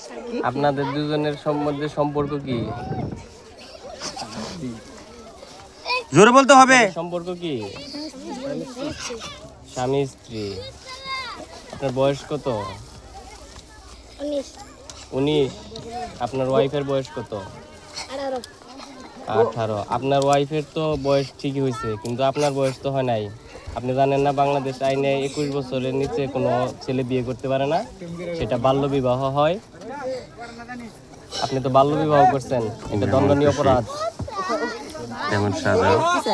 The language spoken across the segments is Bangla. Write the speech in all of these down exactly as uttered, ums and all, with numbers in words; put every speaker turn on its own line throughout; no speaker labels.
আপনাদের দুজনের মধ্যে সম্পর্ক কি?
জোরে বলতে হবে।
সম্পর্ক কি? স্বামী স্ত্রী। আপনার বয়স কত? উনিশ। আপনার ওয়াইফের বয়স কত? আঠারো। আপনার ওয়াইফের তো বয়স ঠিকই হয়েছে, কিন্তু আপনার বয়স তো হয় নাই। আপনি জানেন না বাংলাদেশ আইনে একুশ বছরের নিচে কোনো ছেলে বিয়ে করতে পারে না, সেটা বাল্য বিবাহ হয়। আপনি তো বাল্য বিবাহ করছেন, এটা দণ্ডনীয় অপরাধ।
কেমন সাজা?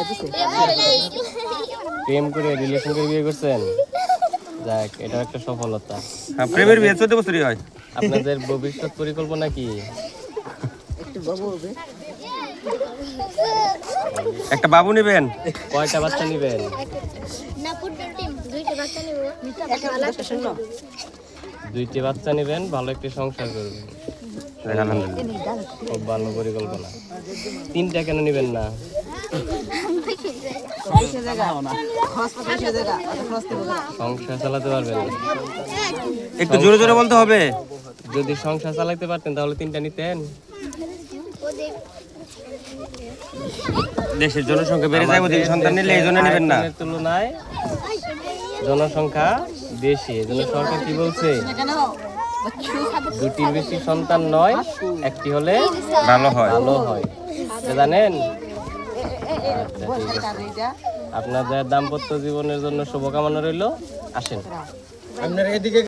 প্রেম করে রিলেশন করে বিয়ে করছেন, যাক এটা একটা সফলতা।
হ্যাঁ, প্রেমের বিয়ে চোদ্দ বছরই হয়।
আপনাদের ভবিষ্যৎ পরিকল্পনা কি?
একটা বাবু নেবেন?
কয়টা বাচ্চা নেবেন? দুইটি বাচ্চা নেবেন, ভালো একটি সংসার করবেন।
আলহামদুলিল্লাহ,
খুব ভালো পরিকল্পনা। তিনটা কেন নেবেন না? সংসার চালাতে পারবেন না?
একটু জোরে জোরে বলতে হবে।
যদি সংসার চালাতে পারতেন তাহলে তিনটা নিতেন।
দেশের জনসংখ্যা বেড়ে যায়, ওদিকে সন্তান নিলে এই জন্য নেবেন না।
আয়তনের তুলনায় জনসংখ্যা বেশি, এজন্য সরকার কি বলছে, দুটির বেশি সন্তান নয়, একটি হলে
ভালো হয়।
ভালো হয়। এটা জানেন? আচ্ছা, ঠিক আছে। আপনাদের দাম্পত্য জীবনের জন্য শুভকামনা রইল। আসেন।